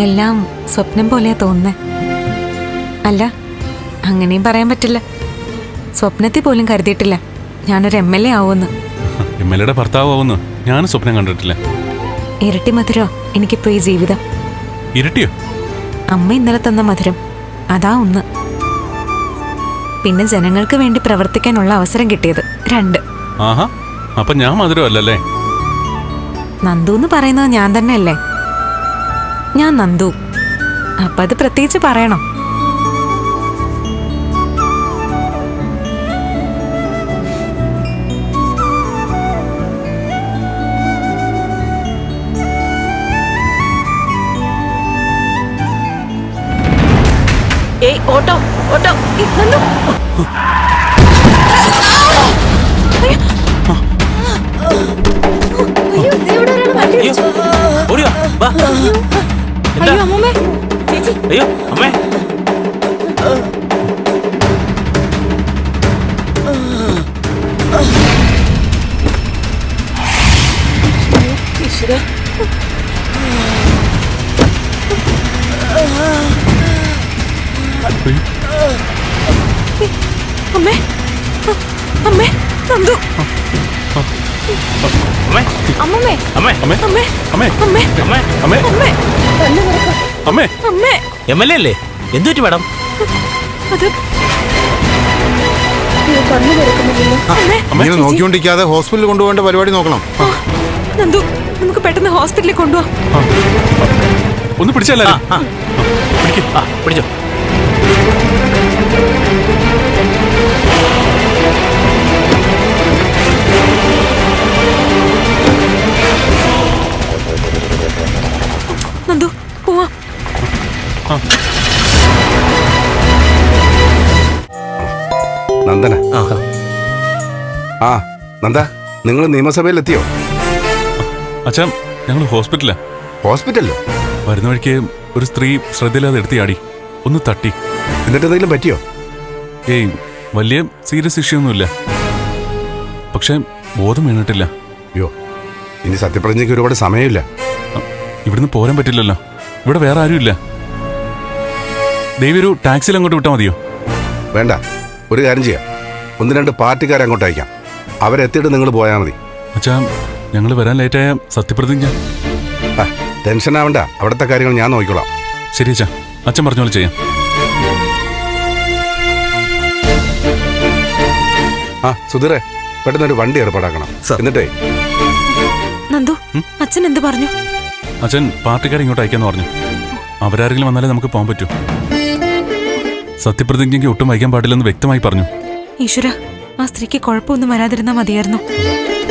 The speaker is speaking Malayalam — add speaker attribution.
Speaker 1: എല്ലാം സ്വപ്നം പോലെയാ തോന്നുന്നേ. അല്ല, അങ്ങനെയും പറയാൻ പറ്റില്ല. സ്വപ്നത്തിൽ പോലും കരുതിയിട്ടില്ല ഞാനൊരു MLA ആവുമെന്ന്.
Speaker 2: MLAയുടെ ഭർത്താവുമെന്ന് ഞാനും സ്വപ്നം കണ്ടിട്ടില്ല.
Speaker 1: ഇരട്ടി മധുരോ എനിക്കിപ്പോ ഈ ജീവിതം.
Speaker 2: ഇരട്ടിയോ?
Speaker 1: അമ്മ ഇന്നലെ തന്ന മധുരം അതാ ഒന്ന്. പിന്നെ ജനങ്ങൾക്ക് വേണ്ടി പ്രവർത്തിക്കാനുള്ള അവസരം കിട്ടിയത് 2.
Speaker 2: ആഹാ, അപ്പൊ ഞാൻ മധുരമല്ലല്ലേ?
Speaker 1: നന്ദു എന്ന് പറയുന്നത് ഞാൻ തന്നെയല്ലേ? ഞാൻ നന്ദു. അപ്പൊ അത് പ്രത്യേകിച്ച് പറയണം.
Speaker 3: ഏയ് ഓട്ടോ ഓട്ടോ
Speaker 1: നന്ദു.
Speaker 3: അയ്യോ അമ്മമ്മേ, ചേച്ചി.
Speaker 4: അയ്യോ അമ്മേ,
Speaker 3: ഈശ്വരാ.
Speaker 1: അമ്മേ, അമ്മേ, നന്ദു.
Speaker 4: അമ്മേ,
Speaker 3: അമ്മമ്മേ,
Speaker 4: അമ്മേ,
Speaker 2: അമ്മേ,
Speaker 1: അമ്മേ,
Speaker 2: അമ്മേ,
Speaker 1: അമ്മേ,
Speaker 4: അമ്മേ,
Speaker 2: അമ്മേ,
Speaker 1: അമ്മേ,
Speaker 2: അമ്മേ.
Speaker 1: അമ്മേ.
Speaker 4: MLA അല്ലേ? എന്തുപറ്റി മാഡം?
Speaker 1: അത്
Speaker 3: കണ്ണു തുറക്കുന്നില്ലല്ലോ.
Speaker 1: അമ്മേ,
Speaker 5: ഇങ്ങനെ നോക്കിക്കൊണ്ടിരിക്കാതെ ഹോസ്പിറ്റലിൽ കൊണ്ടുപോകേണ്ട പരിപാടി നോക്കണം.
Speaker 1: നന്ദു, നമുക്ക് പെട്ടെന്ന് ഹോസ്പിറ്റലിൽ കൊണ്ടുപോവാം.
Speaker 2: ഒന്ന് പിടിച്ചല്ലേ?
Speaker 4: പിടിച്ചോ.
Speaker 1: നന്ദു, പോവാം.
Speaker 5: നന്ദന. ആ നന്ദ, നിങ്ങൾ നിയമസഭയിലെത്തിയോ?
Speaker 2: അച്ഛാ, ഞങ്ങൾ ഹോസ്പിറ്റലാ.
Speaker 5: ഹോസ്പിറ്റലിലോ?
Speaker 2: വരുന്ന വഴിക്ക് ഒരു സ്ത്രീ ശ്രദ്ധയില്ലാതെ എടുത്തിയാടി, ഒന്ന് തട്ടി.
Speaker 5: എന്നിട്ട് എന്തെങ്കിലും പറ്റിയോ?
Speaker 2: ഏയ്, വലിയ സീരിയസ് ഇഷ്യൂ ഒന്നുമില്ല. പക്ഷെ ബോധം വീണിട്ടില്ല.
Speaker 5: അയ്യോ, ഇനി സത്യപ്രതിജ്ഞയ്ക്ക് ഒരുപാട് സമയമില്ല.
Speaker 2: ഇവിടുന്ന് പോരാൻ പറ്റില്ലല്ലോ. ഇവിടെ വേറെ ആരുമില്ല. ദേവി ഒരു ടാക്സിയിൽ അങ്ങോട്ട് വിട്ടാൽ മതിയോ?
Speaker 5: വേണ്ട, ഒരു കാര്യം ചെയ്യാം. 1-2 പാർട്ടിക്കാരെ അങ്ങോട്ട് അയക്കാം. അവരെത്തിയിട്ട് നിങ്ങൾ പോയാൽ മതി.
Speaker 2: അച്ഛാ, ഞങ്ങൾ വരാൻ ലേറ്റായ സത്യപ്രതിജ്ഞ.
Speaker 5: ടെൻഷൻ ആവണ്ട, അവിടുത്തെ കാര്യങ്ങൾ ഞാൻ നോക്കിക്കോളാം.
Speaker 2: ശരി അച്ഛാ, അച്ഛൻ പറഞ്ഞ പോലെ ചെയ്യാം.
Speaker 5: സുധീറെ, പെട്ടെന്നൊരു വണ്ടി ഏർപ്പാടാക്കണം. എന്നിട്ടേ
Speaker 1: നന്ദു, അച്ഛൻ എന്ത് പറഞ്ഞു?
Speaker 2: അച്ഛൻ പാർട്ടിക്കാരെ ഇങ്ങോട്ട് അയക്കാന്ന് പറഞ്ഞു. അവരാരെങ്കിലും വന്നാലേ നമുക്ക് പോകാൻ പറ്റൂ. സത്യപ്രതിജ്ഞയ്ക്ക് ഒട്ടും വൈകാൻ പാടില്ലെന്ന് വ്യക്തമായി പറഞ്ഞു.
Speaker 1: ഈശ്വര, ആ സ്ത്രീക്ക് കുഴപ്പമൊന്നും വരാതിരുന്നാ മതിയായിരുന്നു.